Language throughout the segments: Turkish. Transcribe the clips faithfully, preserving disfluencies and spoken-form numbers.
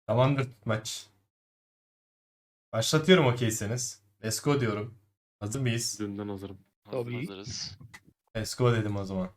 Tamamdır maç. Başlatıyorum okeyseniz. Let's go diyorum. Hazır mıyız? Dünden hazırım. Tabii. Hazırız. Let's go dedim o zaman.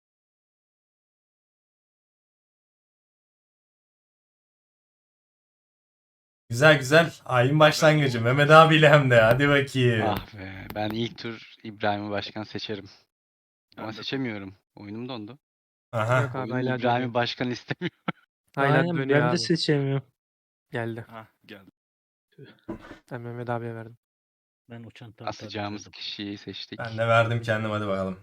Güzel güzel. Ayın başlangıcı. Mehmet abiyle hem de. Hadi bakayım. Ah be. Ben ilk tur İbrahim'i başkan seçerim. Ama Ben de- seçemiyorum. Oyunum dondu. Aha. Yok abi Oyun hala İbrahim'i dönüyor. başkan istemiyor. Hala Aynen dönüyor ben de abi. seçemiyorum. Geldi. Hah geldi. Ben Mehmet abiye verdim. Ben o çantamı Asacağımız taktırdım. kişiyi seçtik. Ben de verdim kendim, hadi bakalım.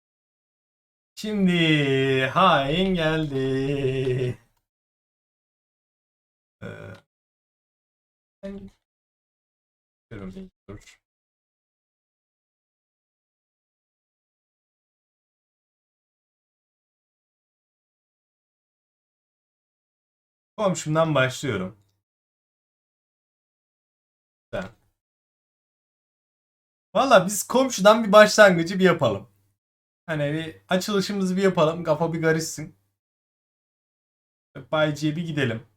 Şimdi hain geldi. Ee, ben- Dur, dur. Komşumdan başlıyorum. Ben. Valla biz komşudan bir başlangıcı bir yapalım. Hani bir açılışımızı bir yapalım. Kafa bir karışsın. Bayci'ye bir gidelim.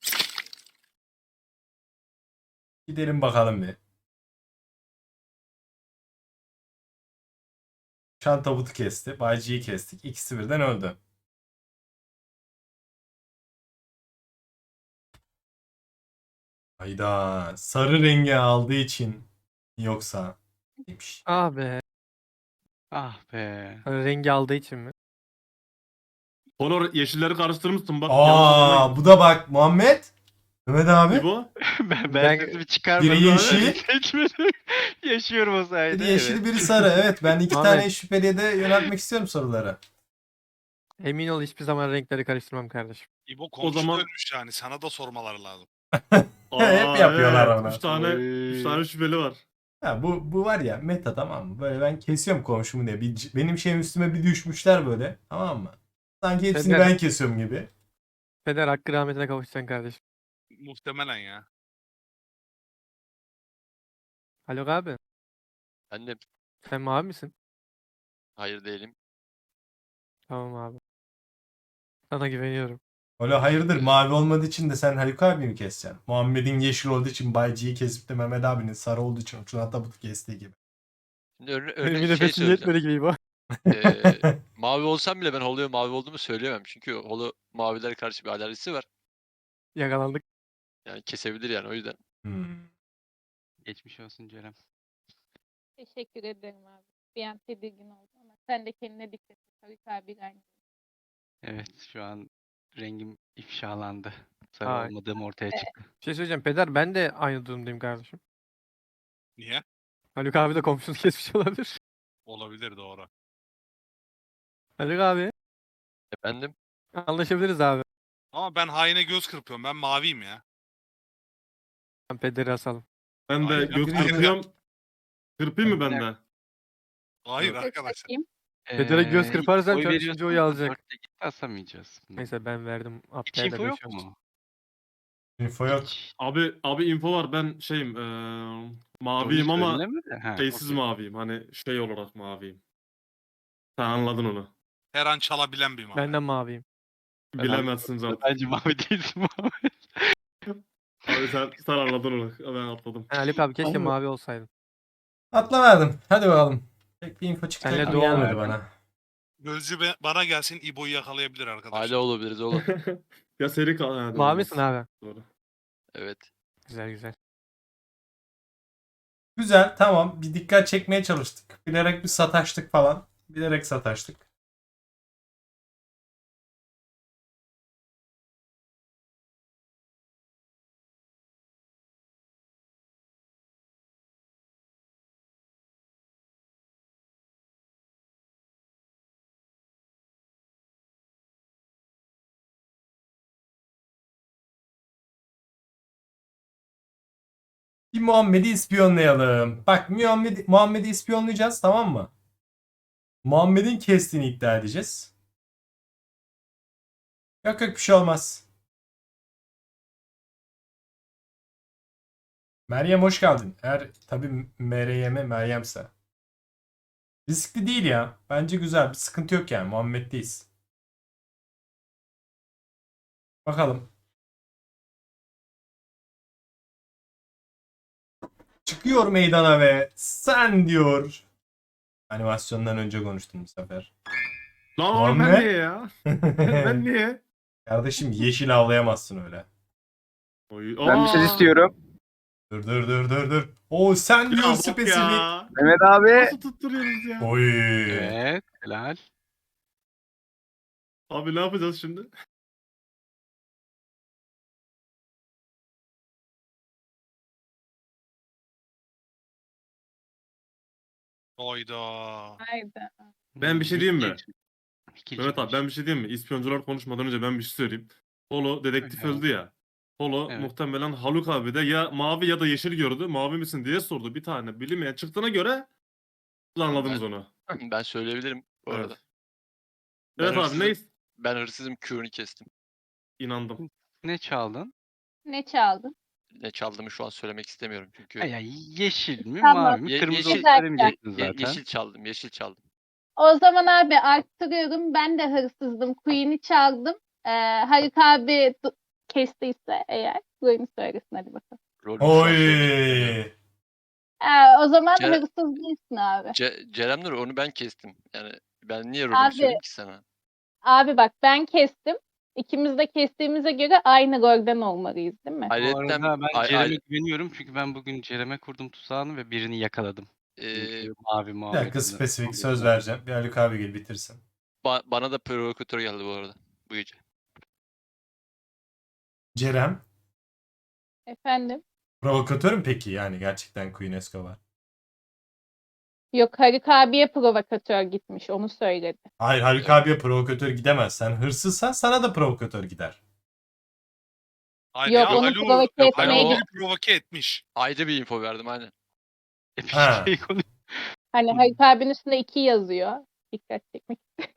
Gidelim bakalım bir. Şan tabutu kesti. Bayci'yi kestik. İkisi birden öldü. Hayda. Sarı rengi aldığı için yoksa demiş. Ah be. Ah be. Hani rengi aldığı için mi? Honor yeşilleri karıştırmışsın bak. yanlış Aa, anlamayın. bu da bak Muhammed. Mehmet abi. İbo. ben, ben Ben- sesimi çıkarmadım. Biri yeşil. abi. Seçmedim. Yaşıyorum o sayede. Biri yeşil evet. biri sarı. Evet, ben iki Muhammed. tane şüpheliye de yöneltmek istiyorum soruları. Emin ol hiçbir zaman renkleri karıştırmam kardeşim. İbo komşu zaman- dönmüş yani. Sana da sormaları lazım. Hep yapıyorlar evet. onu. Üç tane, Oy. üç tane şüpheli var. Ha, bu bu var ya meta, tamam mı? Böyle ben kesiyorum komşumu diye. Bir, benim şeyim üstüme bir düşmüşler böyle. Tamam mı? Sanki hepsini Feder- ben kesiyorum gibi. Peder hakkı rahmetine kavuşacaksın kardeşim. Muhtemelen ya. Haluk abi. Ben de Sen mavi misin? hayır değilim. Tamam abi. Sana güveniyorum. Öyle hayırdır, mavi olmadığı için de sen Haluk abi mi keseceksin? Muhammed'in yeşil olduğu için Bayci'yi kesip de Mehmet abinin sarı olduğu için Tuna Tabut'u kestiği gibi. Şimdi örne Benim örnek bir şey nefesim söyleyeceğim. yetmedi gibi bu. Ee, mavi olsam bile ben Holo'ya mavi olduğumu söyleyemem. Çünkü Holo mavilere karşı bir alerjisi var. Yakalandık. Yani kesebilir yani o yüzden. Hmm. Geçmiş olsun Cerem. Teşekkür ederim abi. Bir an tedirgin oldum ama sen de kendine dikkat et. Haluk abi aynı. Evet şu an rengim ifşalandı. Sarı Ay. olmadığım ortaya çıktı. Bir şey söyleyeceğim. Peder ben de aynı durumdayım kardeşim. Niye? Haluk abi de komşunu kesmiş olabilir. Olabilir doğru. Haluk abi. Efendim? Anlaşabiliriz abi. Ama ben haine göz kırpıyorum. Ben maviyim ya. Ben Peder'i asalım. Ben de Hayır, göz hayır. kırpacağım. Kırpayım mı ben de? Hayır Evet. arkadaşlar. Bakayım. Feder'e göz Ee, kırparsan oy şu an veriyorsun üçüncü oyu ama alacak. dörtte gitti asamayacağız. bunu. Neyse ben verdim. Hiç Abda'ya da info beş yok olsun. mu? Info yok. Hiç. Abi abi info var, ben şeyim eee maviyim Sonuç ama söylenemedi. Ha, şeysiz okey. maviyim. Hani şey olarak maviyim. Sen anladın onu. Her an çalabilen bir mavi. Benden maviyim. Ben Bilemezsin zaten. Bence mavi değilsin mavi. Abi sen, sen anladın onu. Ben atladım. Ha, Haluk abi keşke Ama- mavi olsaydın. Atla verdim. Hadi bakalım. Pek bir info çıkacak Senle gibi dua gelmedi verdim. bana. Gözcü be- bana gelsin İbo'yu yakalayabilir arkadaşlar. Hala olabiliriz oğlum. Ya seri kal. Ha, Mavi olmaz. misin abi? Doğru. Evet. Güzel güzel. Güzel, tamam. Bir dikkat çekmeye çalıştık. Bilerek bir sataştık falan. Bilerek sataştık. Bir Muhammed'i ispiyonlayalım. Bak Muhammed, Muhammed'i ispiyonlayacağız, tamam mı? Muhammed'in kestiğini iddia edeceğiz. Yok yok, bir şey olmaz. Meryem hoş geldin. Eğer tabii Meryem'e Meryem'se. Riskli değil ya. Bence güzel. Bir sıkıntı yok yani. Muhammed'deyiz. Bakalım. çıkıyor meydana ve sen diyor. Animasyondan önce konuştum bu sefer. Lan oğlum ben Muhammed? niye ya? Ben niye? Kardeşim yeşil avlayamazsın öyle. Oy, Ben bir söz aa! istiyorum. Dur dur dur dur dur. Oo sen Ya diyor bak spesifik. ya. Mehmet abi. Nasıl tutturuyoruz ya? Oy. Evet, helal. Abi ne yapacağız şimdi? Hayda. Haydi. Ben bir şey diyeyim mi? Geç- geç- Mehmet abi ben bir şey diyeyim mi? İspiyoncular konuşmadan önce ben bir şey söyleyeyim. Holo dedektif Evet. öldü ya. Holo Evet. muhtemelen Haluk abi de ya mavi ya da yeşil gördü. Mavi misin diye sordu. Bir tane bilinmeyen çıktığına göre anladınız Ben- onu. Ben söyleyebilirim bu Evet. arada. Ben Evet abi hırsızım. neyiz? Ben hırsızım, Q'nu kestim. İnandım. Ne çaldın? Ne çaldın? Ne çaldığımı şu an söylemek istemiyorum çünkü. Ay, ay, yeşil mi, Tamam. mavi mi? Ye- Kırmızı yeşil- olup söylemeyecektin Ye- zaten. yeşil çaldım, yeşil çaldım. O zaman abi arttırıyorum. Ben de hırsızdım. Queen'i çaldım. Ee, Haluk abi du- kestiyse eğer Queen'i söylesin hadi bakalım. Rolü şu an söylemek Oy. istemiyorum. Ee, o zaman Ce- hırsız değilsin abi. Ce- Cerem Nur onu ben kestim. Yani ben niye rolümü Abi- söyleyeyim ki sana? Abi bak ben kestim. İkimiz de kestiğimize göre aynı rolden olmalıyız değil mi? Bu Ayrıca arada ben ay- Cerem'e ay- güveniyorum çünkü ben bugün Cerem'e kurdum tuzağını ve birini yakaladım. e, Çünkü mavi Bir muhabbetini. dakika spesifik söz vereceğim. Bir Haluk abi gel bitirsin. ba- bana da provokatör geldi bu arada bu gece. Cerem. Efendim? Provokatör mü peki yani gerçekten Queen Escobar? Yok Haluk abiye provokatör gitmiş onu söyledi. Hayır Haluk abiye provokatör gidemez. Sen hırsızsan sana da provokatör gider. Hayır Yok, ya onu Haluk, provoke Haluk etmeye biri git- provoke etmiş. Ayrıca bir info verdim aynen. Bir Ha. şey konu- Hani Haluk abinin üstünde iki yazıyor. Dikkat çekmek.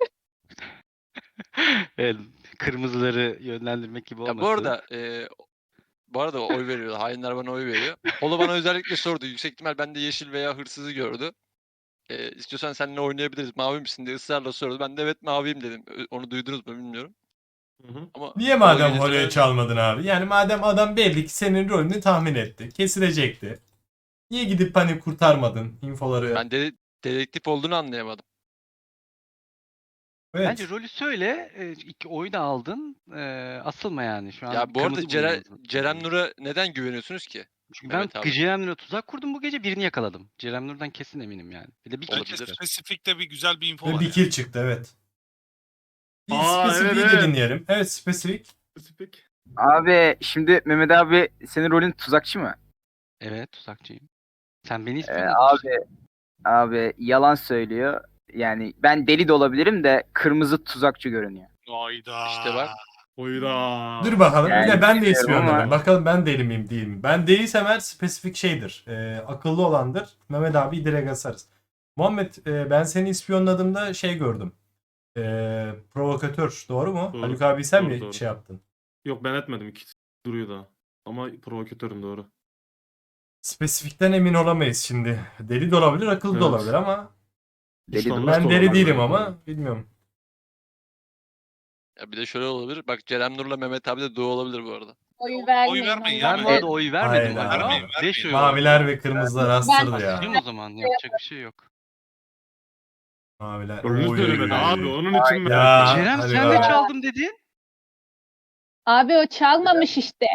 Evet, kırmızıları yönlendirmek gibi Ya olmasın. bu arada e, bu arada oy veriyor. Hainler bana oy veriyor. Holo bana özellikle sordu. Yüksek ihtimal bende yeşil veya hırsızı gördü. E, istiyorsan seninle oynayabiliriz. Mavi misin diye ısrarla sordu. Ben de evet maviyim dedim. Ö- Onu duydunuz mu bilmiyorum. Hı hı. Ama Niye Holo madem gecesi Holo'ya öyle- çalmadın abi? Yani madem adam belli ki senin rolünü tahmin etti. Kesilecekti. Niye gidip hani kurtarmadın infoları? Ben de dedektif olduğunu anlayamadım. Evet. Bence rolü söyle, e, iki oyu da aldın, e, asılma yani şu an. Ya bu arada kırmızı Cere, bulundu. Cerem Nur'a neden güveniyorsunuz ki? Çünkü Mehmet ben abi. Cerem Nur'a tuzak kurdum bu gece, birini yakaladım. Cerem Nur'dan kesin eminim yani. Bir de bir kill Olabilir. Bence çıktı. spesifikte bir güzel bir info Ve var. bir ya. kill çıktı evet. Bir Aa, spesifiği evet, de evet. dinleyelim. Evet spesifik. Spesifik. Abi şimdi Mehmet abi senin rolün tuzakçı mı? Evet, tuzakçıyım. Sen beni Ee, ispiyonladın abi işte. abi yalan söylüyor. Yani ben deli de olabilirim de kırmızı tuzakçı görünüyor. Hayda. İşte bak. Oyda. Dur bakalım. Yani Yine ben de bilmiyorum ispiyonladım. ama- Bakalım ben deli miyim değil mi? Ben değilsem eğer spesifik şeydir. Ee, akıllı olandır. Mehmet abi direkt asarız. Muhammed e, ben seni ispiyonladığımda şey gördüm. Ee, provokatör. Doğru mu? Doğru. Haluk abi sen Doğru, mi doğru. şey yaptın? Yok ben etmedim. İkisi duruyor da. Ama provokatörüm doğru. Spesifikten emin olamayız şimdi. Deli de olabilir, akıllı da Evet. olabilir ama Deli de Ustanlık ben da deli olabilir değilim yani. ama bilmiyorum. Ya bir de şöyle olabilir. Bak Cerem Nur'la Mehmet abi de doğu olabilir bu arada. Oy Oy vermeyin. vermeyin Allah ya, Ben bu Allah. arada oy vermedim Hayda. hala. Vermeyin, beş vermeyin. oy oldu. Maviler ve kırmızılar astırdı Asılayım ya. o zaman, yapacak bir şey yok. Maviler. Rolünü Oy. söylemedi abi. Onun için ben Ya. Cerem hadi sen be. de çaldım dedin. Abi o çalmamış işte.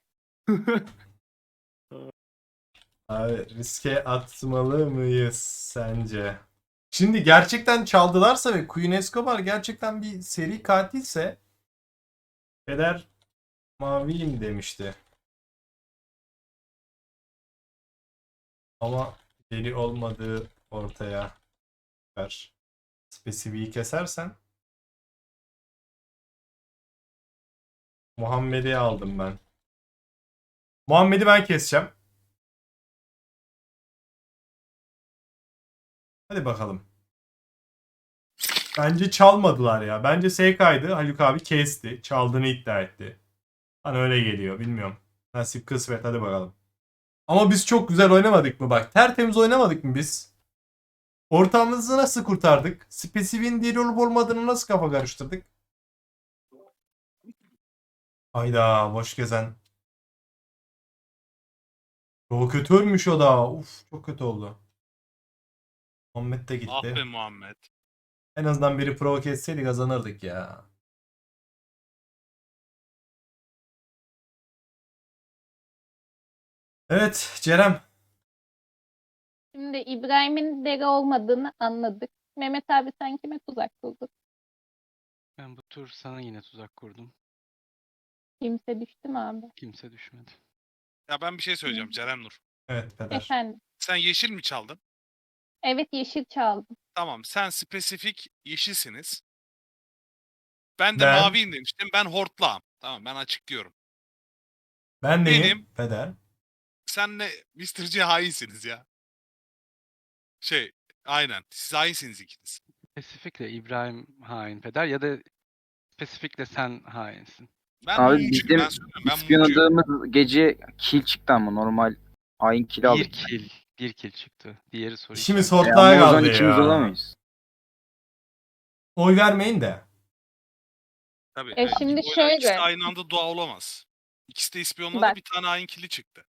Abi riske atmalı mıyız sence? Şimdi gerçekten çaldılarsa ve Queen Escobar gerçekten bir seri katilse Peder maviyim demişti. Ama deli olmadığı ortaya çıkar. Spesifiği kesersen Muhammed'i aldım ben. Muhammed'i ben keseceğim. Hadi bakalım. Bence çalmadılar ya. Bence S K'ydı. Haluk abi kesti. Çaldığını iddia etti. Bana öyle geliyor. Bilmiyorum. Nasip kısmet. Hadi bakalım. Ama biz çok güzel oynamadık mı? Bak tertemiz oynamadık mı biz? Ortamımızı nasıl kurtardık? Spesifiğin deli olup olmadığını nasıl kafa karıştırdık? Hayda boş gezen. Çok kötü ölmüş o da. Uf, çok kötü oldu. Muhammed de Ah gitti. be Muhammed. En azından biri provoke etseydi kazanırdık ya. Evet Cerem. Şimdi İbrahim'in deli olmadığını anladık. Mehmet abi sen kime tuzak kurdun? Ben bu tur sana yine tuzak kurdum. Kimse düştü mü abi? Kimse düşmedi. Ya ben bir şey söyleyeceğim Ceren Nur. Evet Peder. Efendim. Sen yeşil mi çaldın? Evet yeşil çaldım. Tamam sen spesifik yeşilsiniz. Ben de Ben- maviyim demiştim. Ben hortlağım. Tamam ben açıklıyorum. Ben neyim? Benim- Peder. Senle mister G hainsiniz ya. Şey aynen siz hainsiniz ikiniz. Spesifikle İbrahim hain peder ya da spesifikle sen hainsin. Ben Abi mumcuyum, bizim ben söylüyorum ben mumcuyum. İspiyonladığımız gece kill çıktı ama normal hain kill Bir aldık. kill. Bir kill çıktı. Diğeri soru İşimiz işareti. E hortlağa ama o zaman kaldı ikimiz ya. olamayız. Oy vermeyin de. Tabii. E evet. şimdi O- şöyle. İkisi de aynı anda dua olamaz. İkisi de ispiyonladı Bak. bir tane hain kili çıktı.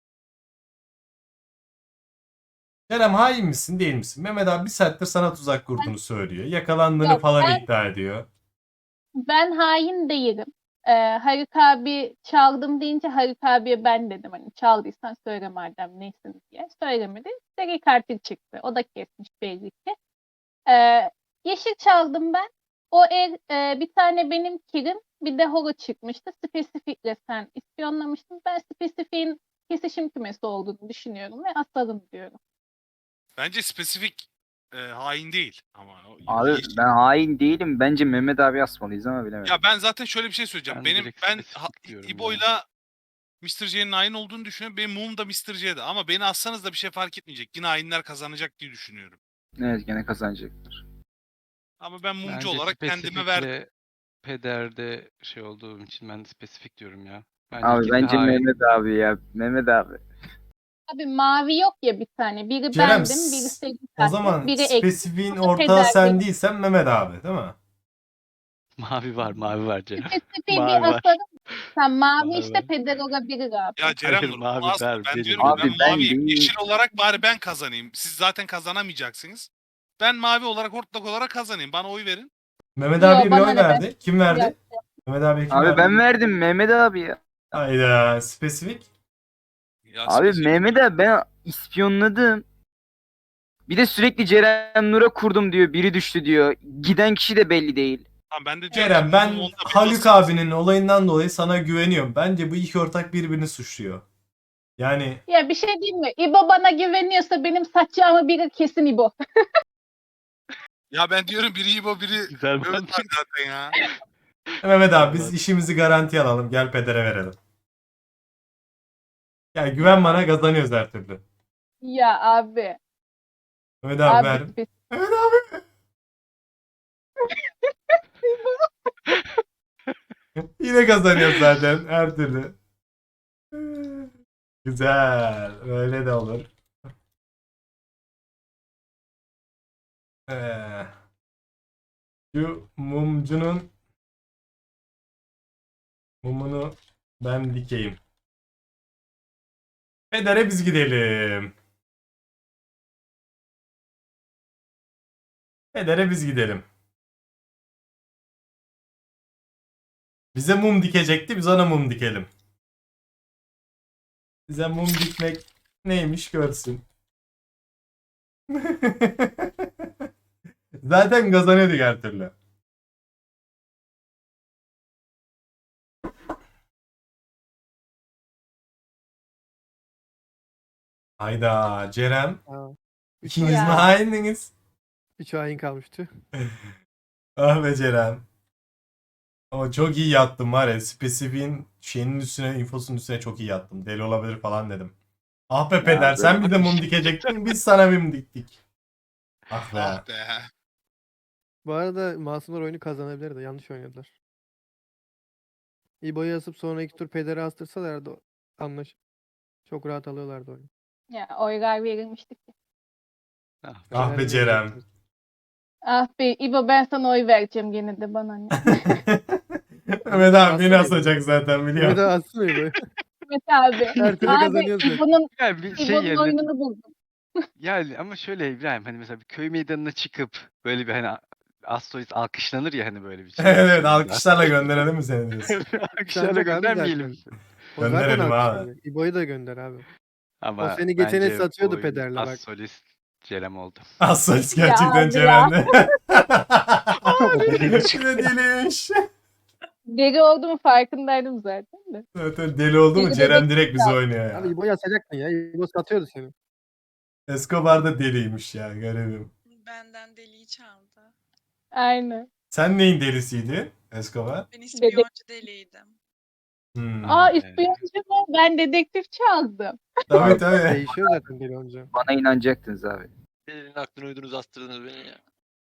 Cerem hain misin değil misin? Mehmet abi bir saattir sana tuzak kurduğunu söylüyor. Yakalandığını Yok, falan ben- iddia ediyor. Ben hain değilim. Ee, Haluk abi çaldım deyince Haluk abiye ben dedim hani çaldıysan söyle madem neysin diye. Söylemedi. Seri katil çıktı. O da kesmiş belli ki. Ee, yeşil çaldım ben. O el e, bir tane benim kilim bir de holo çıkmıştı. Spesifikle sen ispiyonlamıştın. Ben spesifiğin kesişim kümesi olduğunu düşünüyorum ve asalım diyorum. Bence spesifik e, hain değil ama o Abi yeşil- ben hain değilim. Bence Mehmet abi asmalıyız ama bilemedim. Ya ben zaten şöyle bir şey söyleyeceğim. Ben Benim direkt ben spesifik ha, diyorum İbo'yla mister J'nin hain olduğunu düşünüyorum. Benim mum da mister J'de ama beni assanız da bir şey fark etmeyecek. Yine hainler kazanacak diye düşünüyorum. Evet gene kazanacaktır. Ama ben mumcu Bence olarak kendime verdim. spesifikle pederde şey olduğum için ben de spesifik diyorum ya. Bence Abi ikisi de bence hain. Mehmet abi ya. Mehmet abi. Abi mavi yok ya bir tane. Biri Cerem, bendim, biri seri O katil, zaman biri ek. spesifiğin Ama ortağı Peder sen değil. değilsen Mehmet abi değil mi? Mavi var, mavi var Cem. Spesifiği Mavi bir var. asarım. Sen mavi Mavi işte var. peder olabilir abi. Ya Ceren Hayır, Nur, mavi bunu asma. ver, Ben benim. diyorum ki Abi ben ben maviyim. değil. Yeşil olarak bari ben kazanayım. Siz zaten kazanamayacaksınız. Ben mavi olarak hortlak olarak kazanayım. Bana oy verin. Mehmet Yo, abiye bir bana oy ne, ben- verdi. Kim verdi? Yok. Mehmet abiye kim Abi verdi? ben verdim Mehmet abi ya. Hayda spesifik. Ya Abi spesifik- Mehmet abi ben ispiyonladım. Bir de sürekli Ceren Nur'a kurdum diyor. Biri düştü diyor. Giden kişi de belli değil. Tamam, ben de diyorum Cerem ki ben mumum onda bir Haluk basınız. abinin olayından dolayı sana güveniyorum. Bence bu iki ortak birbirini suçluyor. Yani Ya bir şey diyeyim mi? İbo bana güveniyorsa benim saçacağımı bilir kesin İbo. Ya ben diyorum biri İbo biri Güzel Mehmet mantık. abi zaten ya. Mehmet abi biz Evet. işimizi garantiye alalım. Gel pedere verelim. Yani güven bana kazanıyoruz her türlü. Ya abi. Mehmet abi, Abi ver. spesifik. Mehmet abi. Yine kazanıyoruz zaten her türlü. Güzel. Öyle de olur. Ee, şu mumcunun mumunu ben dikeyim. Pedere biz gidelim. Pedere biz gidelim. Bize mum dikecekti, biz ona mum dikelim. Bize mum dikmek neymiş görsün. Zaten kazanıyorduk her türlü. Hayda Cerem. Aa, İkiniz mi Ya. haindiniz? üç hain kalmıştı. Ah be Cerem. Ama çok iyi yattım var ya. Spesifiğin şeyinin üstüne, infosunun üstüne çok iyi yattım. Deli olabilir falan dedim. Ah be peder böyle sen bir de mum dikecektin. Biz sana mum diktik. Ah be. Ah be. Bu arada Masumlar oyunu kazanabilirdi. Yanlış oynadılar. İbo'yu asıp sonraki tur pederi astırsalardı anlaş. Çok rahat alıyorlardı oyunu. Ya oylar verilmişti ki. Ah, Ah be Pederi Cerem. verecektim. Ah be İbo ben sana oy vereceğim gene de bana ne. Mehmet abi beni asacak zaten Bir biliyorum. de atsın İbo'yu. Evet abi. Her türlü Abi kazanıyorsun. İbo'nun Yani bir şey İbo'nun yerine oyununu buldum. yani ama şöyle İbrahim hani mesela bir köy meydanına çıkıp böyle bir hani Astoris alkışlanır ya hani böyle bir şey. Evet, alkışlarla gönderelim mi seni diyorsun? Alkışlarla Alkışlanacak abi göndermeyelim. zaten. O zaten Gönderelim abi. alkışlanacak. İbo'yu da gönder abi. Ama seni geçene bence satıyordu bu pederle bak. Astoris Cerem oldu. Assolis Ya gerçekten abi ya. Ceren'de. Ne deliymiş. Deli olduğumu farkındaydım zaten de. Zaten deli oldu mu Deli Ceren bebek direkt bizi oynuyor Abi ya. İbo'yu atacaktın ya. İbo satıyordu seni. Escobar da deliymiş ya, garibim. Benden deliği çaldı. Aynen. Sen neyin delisiydin Escobar? Ben ispiyoncu deliydim. Hmm. Aa ispiyoncu mu? Ben dedektif çaldım. Tabii tabii. Değişiyor zaten deli olunca. Bana inanacaktınız abi. Elinin aklını uydunuz astırdınız beni ya.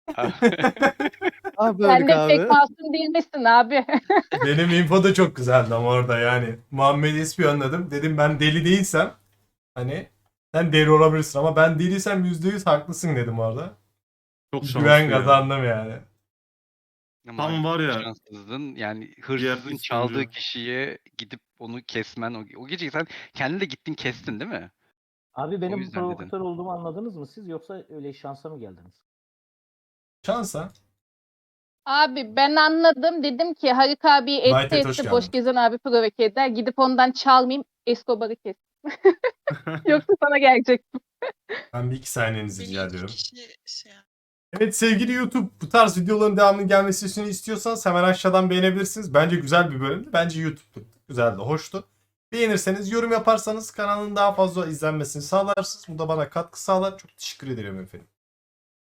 Ah be Sen Haluk de abi. pek masum değilmişsin abi. Benim info da çok güzeldi ama orada yani. Muhammed'i ispiyonladım. Dedim ben deli değilsem hani sen deli olabilirsin ama ben deliysem yüzde yüz haklısın dedim orada. Çok şanslı Güven ya. kazandım yani. Ama Tam var ya, şanssızdın. Yani diğer hırsızın çaldığı ispiyoncu. kişiye gidip onu kesmen o, o gece sen kendin de gittin kestin değil mi? Abi O benim yüzden dedim. provokatör olduğumu anladınız mı siz yoksa öyle şansa mı geldiniz? Şansa. Abi ben anladım. Dedim ki Harik abiyi Whitehead, etti hoş etti. Boş geldin. gezen abi provoke eder. Gidip ondan çalmayayım. Escobar'ı kes. Yoksa sana gelecek. Ben bir iki saniyenizi Beni rica iki ediyorum. kişi şey yaptı. Evet sevgili YouTube, bu tarz videoların devamının gelmesini istiyorsanız hemen aşağıdan beğenebilirsiniz. Bence güzel bir bölümdü. Bence YouTube'du. Güzeldi, hoştu. Beğenirseniz, yorum yaparsanız kanalın daha fazla izlenmesini sağlarsınız. Bu da bana katkı sağlar. Çok teşekkür ederim efendim.